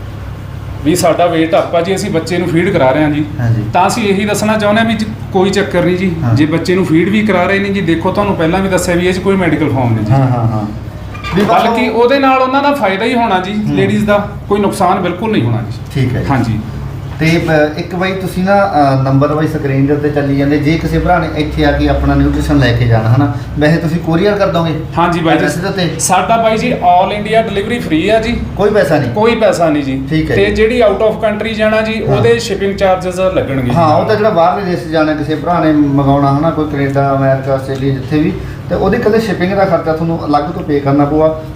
[SPEAKER 3] ਵੀ ਸਾਡਾ weight ਆਪਾਂ ਜੀ, ਅਸੀਂ ਬੱਚੇ ਨੂੰ ਫੀਡ ਕਰਾ ਰਹੇ ਹਾਂ ਜੀ।
[SPEAKER 1] ਹਾਂਜੀ।
[SPEAKER 3] ਤਾਂ ਅਸੀਂ ਇਹੀ ਦੱਸਣਾ ਚਾਹੁੰਦੇ ਹਾਂ ਵੀ ਜ- ਕੋਈ ਚੱਕਰ ਨਹੀਂ ਜੀ,
[SPEAKER 1] ਹਾਂ।
[SPEAKER 3] ਜੇ ਬੱਚੇ ਨੂੰ ਫੀਡ ਵੀ ਕਰਾ ਰਹੇ ਨੇ ਜੀ, ਦੇਖੋ ਤੁਹਾਨੂੰ ਪਹਿਲਾਂ ਵੀ ਦੱਸਿਆ ਵੀ ਇਹ 'ਚ ਕੋਈ ਮੈਡੀਕਲ ਫਾਰਮ ਨਹੀਂ ਜੀ,
[SPEAKER 1] ਹਾਂ ਹਾਂ ਹਾਂ। ਵੀ ਬਸ
[SPEAKER 3] ਬਲਕਿ
[SPEAKER 1] ਉਹ-
[SPEAKER 3] ਉਹਦੇ ਨਾਲ ਉਹਨਾਂ ਦਾ ਫਾਇਦਾ ਹੀ ਹੋਣਾ ਜੀ,
[SPEAKER 1] ਹੂੰ।
[SPEAKER 3] ਲੇਡੀਜ਼ ਦਾ ਕੋਈ ਨੁਕਸਾਨ ਬਿਲਕੁਲ ਨਹੀਂ ਹੋਣਾ ਜੀ।
[SPEAKER 1] ਠੀਕ ਹੈ ਜੀ।
[SPEAKER 3] ਹਾਂਜੀ।
[SPEAKER 1] ਤੇ ਅ, ਇੱਕ ਵਾਰੀ ਤੁਸੀਂ ਨਾ ਨੰਬਰ ਵਾਈ ਸਕਰੀਨ ਦੇ ਉੱਤੇ ਚੱਲੀ ਜਾਂਦੇ, ਜੇ ਕਿਸੇ ਭਰਾ ਨੇ ਇੱਥੇ ਆ ਕੇ ਆਪਣਾ ਨਿਊਟ੍ਰੀਸ਼ਨ ਲੈ ਕੇ ਜਾਣਾ ਹਨਾ, ਵੈਸੇ ਤੁਸੀਂ ਕੋਰੀਅਰ ਕਰ ਦੋਗੇ?
[SPEAKER 3] ਹਾਂਜੀ ਬਾਈ
[SPEAKER 1] Address ਦੇ ਉੱਤੇ?
[SPEAKER 3] ਜੀ, ਸਾਡਾ ਬਾਈ ਜੀ ਆਲ ਇੰਡੀਆ ਡਿਲੀਵਰੀ ਫ੍ਰੀ ਆ ਜੀ,
[SPEAKER 1] ਕੋਈ ਪੈਸਾ ਨਹੀਂ?
[SPEAKER 3] ਕੋਈ ਪੈਸਾ ਨਹੀਂ ਜੀ।
[SPEAKER 1] ਠੀਕ ਹੈ
[SPEAKER 3] ਤੇ
[SPEAKER 1] ਜੀ।
[SPEAKER 3] ਜਿਹੜੀ ਆਊਟ ਆਫ ਕੰਟਰੀ ਜਾਣਾ ਜੀ,
[SPEAKER 1] ਹਾਂ।
[SPEAKER 3] ਉਹਦੇ ਸ਼ਿਪਿੰਗ ਚਾਰजेस ਲੱਗਣਗੇ ਜੀ।
[SPEAKER 1] ਹਾਂ, ਉਹ ਤਾਂ ਜਿਹੜਾ ਬਾਹਰਲੇ ਦੇਸ਼ 'ਚ ਜਾਣਾ, ਕਿਸੇ ਭਰਾ ਨੇ ਮੰਗਾਉਣਾ ਹਨਾ, ਕੋਈ ਕੈਨੇਡਾ, ਅਮਰੀਕਾ, ਆਸਟ੍ਰੇਲੀਆ, ਜਿੱਥੇ ਵੀ, ਤੇ ਉਹਦੀ ਕਦੇ ਸ਼ਿਪਿੰਗ ਦਾ ਖਰਚਾ ਤੁਹਾਨੂੰ ਅਲੱਗ ਤੋਂ ਪੇ ਕਰਨਾ ਪਊਗਾ।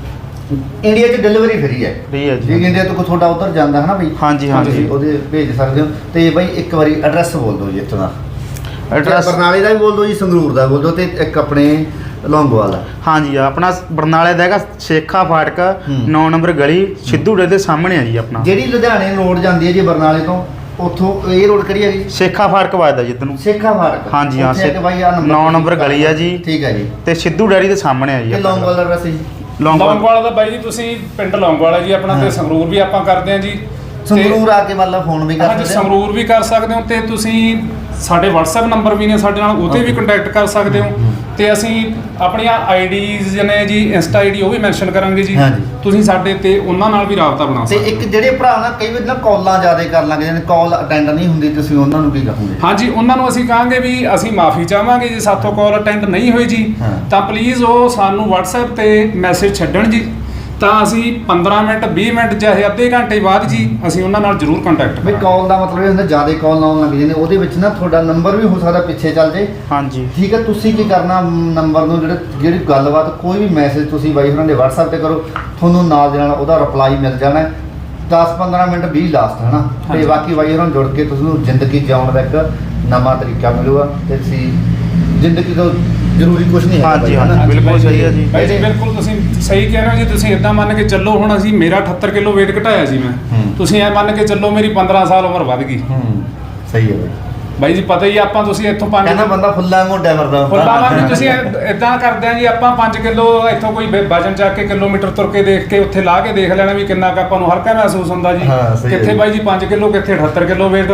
[SPEAKER 1] ਇੰਡੀਆ 'ਚ ਡਿਲੀਵਰੀ ਫ੍ਰੀ ਹੈ
[SPEAKER 2] ਫ੍ਰੀ ਹੈ ਜੀ।
[SPEAKER 1] ਜੇ ਇੰਡੀਆ ਤੋਂ ਕੋਈ ਤੁਹਾਡਾ ਉੱਧਰ ਜਾਂਦਾ ਹੈ ਨਾ ਬਈ,
[SPEAKER 2] ਹਾਂਜੀ ਹਾਂਜੀ
[SPEAKER 1] ਤੁਸੀਂ ਉਹਦੇ ਭੇਜ ਸਕਦੇ ਹੋ। ਤੇ ਬਈ ਇੱਕ ਵਾਰੀ ਐਡਰੈਸ ਬੋਲ ਦਿਓ ਜੀ ਇੱਥੋਂ ਦਾ।
[SPEAKER 2] ਐਡਰੈਸ
[SPEAKER 1] ਬਰਨਾਲੇ ਦਾ ਵੀ ਬੋਲ ਦਿਓ ਜੀ, ਸੰਗਰੂਰ ਦਾ ਬੋਲ ਦਿਓ, ਤੇ ਇੱਕ ਆਪਣੇ ਲੌਂਗੋਵਾਲ ਦਾ।
[SPEAKER 2] ਹਾਂਜੀ ਆਪਣਾ ਬਰਨਾਲੇ ਦਾ ਹੈਗਾ ਸ਼ੇਖਾ ਫਾਟਕ
[SPEAKER 1] ਹੂੰ।
[SPEAKER 2] ਨੌ ਨੰਬਰ ਗਲੀ ਸਿੱਧੂੜੇ ਦੇ ਸਾਹਮਣੇ ਆ ਜੀ ਆਪਣਾ।
[SPEAKER 1] ਜਿਹੜੀ ਲੁਧਿਆਣੇ ਰੋਡ ਜਾਂਦੀ ਹੈ ਜੀ ਬਰਨਾਲੇ ਤੋਂ, ਉੱਥੋਂ ਇਹ ਰੋਡ ਕਿਹੜੀ ਹੈ ਜੀ?
[SPEAKER 2] ਸ਼ੇਖਾ ਫਾਟਕ ਵੱਜਦਾ ਜਿੱਦ ਨੂੰ।
[SPEAKER 1] ਸੇਖਾ ਫਾਟਕ।
[SPEAKER 2] ਹਾਂਜੀ ਹਾਂ,
[SPEAKER 1] ਉੱਥੇ ਆ ਕੇ ਬਾਈ ਆਹ ਨੰਬਰ
[SPEAKER 2] ਨੌ ਨੰਬਰ ਗਲੀ ਆ ਜੀ।
[SPEAKER 1] ਠੀਕ ਹੈ ਜੀ।
[SPEAKER 2] ਤੇ ਸਿੱਧੂ ਡੈਰੀ ਦੇ ਸਾਹਮਣੇ ਆ ਜੀ
[SPEAKER 1] ਤੇ
[SPEAKER 2] ਆਪਣਾ।
[SPEAKER 1] ਲੌਂਗੋਵਾਲ ਦਾ ਐਡਰੈਸ ਜੀ?
[SPEAKER 2] ਲੌਂਗੋਵਾਲ
[SPEAKER 3] ਲੌਂਗੋਵਾਲ ਦਾ ਬਾਈ ਜੀ ਤੁਸੀਂ ਪਿੰਡ ਲੌਂਗੋਵਾਲ ਹੈ ਜੀ ਆਪਣਾ,
[SPEAKER 1] ਹਾਂ।
[SPEAKER 3] ਤੇ ਸੰਗਰੂਰ ਵੀ ਆਪਾਂ ਕਰਦੇ ਹਾਂ ਜੀ। ਤੇ-
[SPEAKER 1] ਸੰਗਰੂਰ ਆ ਕੇ ਮਤਲਬ ਫੋਨ ਵੀ ਕਰ
[SPEAKER 3] ਹਾਂਜੀ
[SPEAKER 1] ਸਕਦੇ ਹੋ?
[SPEAKER 3] ਸੰਗਰੂਰ ਵੀ ਕਰ ਸਕਦੇ ਹੋ, ਤੇ ਤੁਸੀਂ ਸਾਡੇ WhatsApp ਨੰਬਰ ਵੀ ਨੇ ਸਾਡੇ ਨਾਲ, ਉਹਤੇ ਵੀ ਕੰਟੈਕਟ ਕਰ ਸਕਦੇ ਹੋ। ਤੇ ਅਸੀਂ ਆਪਣੀਆਂ ਆਈਡੀਜ਼ ਨੇ ਜੀ, ਇੰਸਟਾ ਆਈਡੀ ਉਹ ਵੀ ਮੈਂਸ਼ਨ ਕਰਾਂਗੇ ਜੀ।
[SPEAKER 1] ਹਾਂਜੀ।
[SPEAKER 3] ਤੁਸੀਂ ਸਾਡੇ ਤੇ ਉਹਨਾਂ ਨਾਲ ਵੀ ਰਾਬਤਾ ਬਣਾ
[SPEAKER 1] ਤੇ
[SPEAKER 3] ਸਕਦੇ
[SPEAKER 1] ਇੱਕ ਜਿਹੜੇ ਭਰਾ ਨਾ ਕਈ ਵਾਰ ਨਾ ਕਾਲਾਂ ਜ਼ਿਆਦਾ ਕਰ ਲਾਂਗੇ, ਜਿਹਨੇ ਕਾਲ ਅਟੈਂਡ ਨਹੀਂ ਹੁੰਦੀ, ਤੁਸੀਂ ਉਹਨਾਂ ਨੂੰ ਕੀ ਕਹੋਗੇ?
[SPEAKER 3] ਹਾਂਜੀ, ਉਹਨਾਂ ਨੂੰ ਅਸੀਂ ਕਹਾਂਗੇ ਵੀ ਅਸੀਂ ਮਾਫੀ ਚਾਹਾਂਗੇ ਜੀ ਸਾਥੋਂ ਕਾਲ ਅਟੈਂਡ ਨਹੀਂ ਹੋਈ ਜੀ,
[SPEAKER 1] ਹਾਂ।
[SPEAKER 3] ਤਾਂ ਪਲੀਜ਼ ਉਹ ਸਾਨੂੰ WhatsApp ਤੇ ਮੈਸੇਜ ਛੱਡਣ ਜੀ, ਤਾਂ ਅਸੀਂ ਪੰਦਰਾਂ ਮਿੰਟ ਵੀਹ ਮਿੰਟ ਚਾਹੇ ਅੱਧੇ ਘੰਟੇ ਬਾਅਦ ਜੀ ਅਸੀਂ ਉਹਨਾਂ ਨਾਲ ਜ਼ਰੂਰ ਕੰਟੈਕਟ
[SPEAKER 1] ਵੀ ਕਾਲ ਦਾ ਮਤਲਬ ਇਹ ਹੁੰਦਾ ਜ਼ਿਆਦਾ ਕਾਲ ਆਉਣ ਲੱਗ ਜਾਂਦੇ, ਉਹਦੇ ਵਿੱਚ ਨਾ ਤੁਹਾਡਾ ਨੰਬਰ ਵੀ ਹੋ ਸਕਦਾ ਪਿੱਛੇ ਚੱਲ ਜੇ।
[SPEAKER 2] ਹਾਂਜੀ
[SPEAKER 1] ਠੀਕ ਹੈ, ਤੁਸੀਂ ਕੀ ਕਰਨਾ, ਨੰਬਰ ਨੂੰ ਜਿਹੜੇ ਜਿਹੜੀ ਗੱਲਬਾਤ ਕੋਈ ਵੀ ਮੈਸੇਜ ਤੁਸੀਂ ਬਾਈ ਉਹਨਾਂ ਦੇ WhatsApp ਤੇ ਕਰੋ, ਤੁਹਾਨੂੰ ਨਾਲ ਦੇ ਨਾਲ ਉਹਦਾ ਰਿਪਲਾਈ ਮਿਲ ਜਾਣਾ ਹੈ। ਦਸ ਪੰਦਰਾਂ ਮਿੰਟ ਵੀਹ ਲਾਸਟ ਹੈ ਨਾ। ਤੇ
[SPEAKER 3] ਹਾਂਜੀ।
[SPEAKER 1] ਬਾਕੀ ਬਾਈ ਉਹਨਾਂ ਨਾਲ ਜੁੜ ਕੇ ਤੁਹਾਨੂੰ ਜ਼ਿੰਦਗੀ ਜਿਉਣ ਦਾ ਇੱਕ ਨਵਾਂ ਤਰੀਕਾ ਮਿਲੂਗਾ, ਤੇ ਤੁਸੀਂ ਜ਼ਿੰਦਗੀ ਤੋਂ ਜ਼ਰੂਰੀ ਕੁਝ ਨਹੀਂ ਹੈ
[SPEAKER 2] ਹਾਂਜੀ, ਹਾਂਜੀ। ਬਿਲਕੁਲ ਸਹੀ ਹੈ ਜੀ।
[SPEAKER 3] ਬਾਈ ਜੀ ਬਿਲਕੁਲ ਤੁਸੀਂ ਸਹੀ ਕਹਿ ਰਹੇ ਹੋ ਜੀ। ਤੁਸੀਂ ਇਦਾਂ ਮੰਨ ਕੇ ਚੱਲੋ, ਹੁਣ ਅਸੀਂ ਮੇਰਾ ਅਠੱਤਰ ਕਿਲੋ weight ਘਟਾਇਆ ਸੀ ਮੈਂ,
[SPEAKER 1] ਹੂੰ।
[SPEAKER 3] ਤੁਸੀਂ ਐ ਮੰਨ ਕੇ ਚੱਲੋ ਮੇਰੀ ਪੰਦਰਾਂ ਸਾਲ ਉਮਰ ਵੱਧ ਗਈ।
[SPEAKER 1] ਹੂੰ ਸਹੀ ਹੈ ਬਾਈ।
[SPEAKER 3] ਬਾਈ ਜੀ ਪਤਾ ਹੀ ਆ, ਆਪਾਂ ਤੁਸੀਂ ਇੱਥੋਂ ਪੰਜ
[SPEAKER 1] ਕਹਿੰਦਾ ਬੰਦਾ ਫੁੱਲਾਂ ਮੋਢਿਆਂ ਵਰਦਾ
[SPEAKER 3] ਫੁੱਲਾਂ ਵਾਂਗ ਤੁਸੀਂ ਇਦਾਂ ਕਰਦੇ ਆ ਜੀ, ਆਪਾਂ ਪੰਜ ਕਿਲੋ ਇੱਥੋਂ ਕੋਈ ਵ- ਵਜਨ ਚੱਕ ਕੇ ਕਿਲੋਮੀਟਰ ਤੁਰ ਕੇ ਦੇਖ ਕੇ ਉੱਥੇ ਲਾ ਕੇ ਦੇਖ ਲੈਣਾ ਵੀ ਕਿੰਨਾ ਕੁ ਆਪਾਂ ਨੂੰ ਹਲਕਾ ਮਹਿਸੂਸ ਹੁੰਦਾ ਜੀ।
[SPEAKER 1] ਹਾਂ, ਸਹੀ ਹੈ
[SPEAKER 3] ਕਿੱਥੇ
[SPEAKER 1] ਜੀ।
[SPEAKER 3] ਬਾਈ ਜੀ ਪੰਜ ਕਿਲੋ, ਕਿੱਥੇ ਅਠੱਤਰ ਕਿਲੋ weight,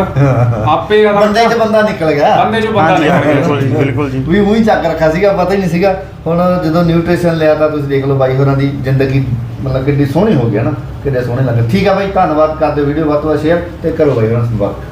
[SPEAKER 3] ਆਪੇ ਆ
[SPEAKER 1] ਬੰਦੇ 'ਚ ਬੰਦਾ ਨਿਕਲ ਗਿਆ।
[SPEAKER 3] ਬੰਦੇ ਚੋਂ ਬੰਦਾ
[SPEAKER 2] ਹਾਂਜੀ
[SPEAKER 3] ਨਿਕਲ ਗਿਆ।
[SPEAKER 2] ਬਿਲਕੁਲ ਜੀ ਬਿਲਕੁਲ ਜੀ।
[SPEAKER 1] ਵੀ ਉਹੀ ਚੱਕ ਰੱਖਿਆ ਸੀਗਾ, ਪਤਾ ਹੀ ਨਹੀਂ ਸੀਗਾ। ਹੁਣ ਜਦੋਂ ਨਿਊਟ੍ਰੀਸ਼ਨ ਲਿਆ ਤਾਂ ਤੁਸੀਂ ਦੇਖ ਲਓ ਬਾਈ ਹੋਰਾਂ ਦੀ ਜ਼ਿੰਦਗੀ ਮਤਲਬ ਕਿੰਨੀ ਸੋਹਣੀ ਹੋ ਗਈ ਹੈ ਨਾ, ਕਿੰਨੇ ਸੋਹਣੇ ਲੱਗੇ। ਠੀਕ ਆ ਬਾਈ, ਧੰਨਵਾਦ, ਕਰ ਦਿਓ ਵੀਡੀਓ ਵੱਧ ਤੋਂ ਵੱਧ ਸ਼ੇਅਰ ਤੇ ਕਰੋ ਬਾਈ ਹੋਰਾਂ ਨਾਲ ਸੰਪਰਕ।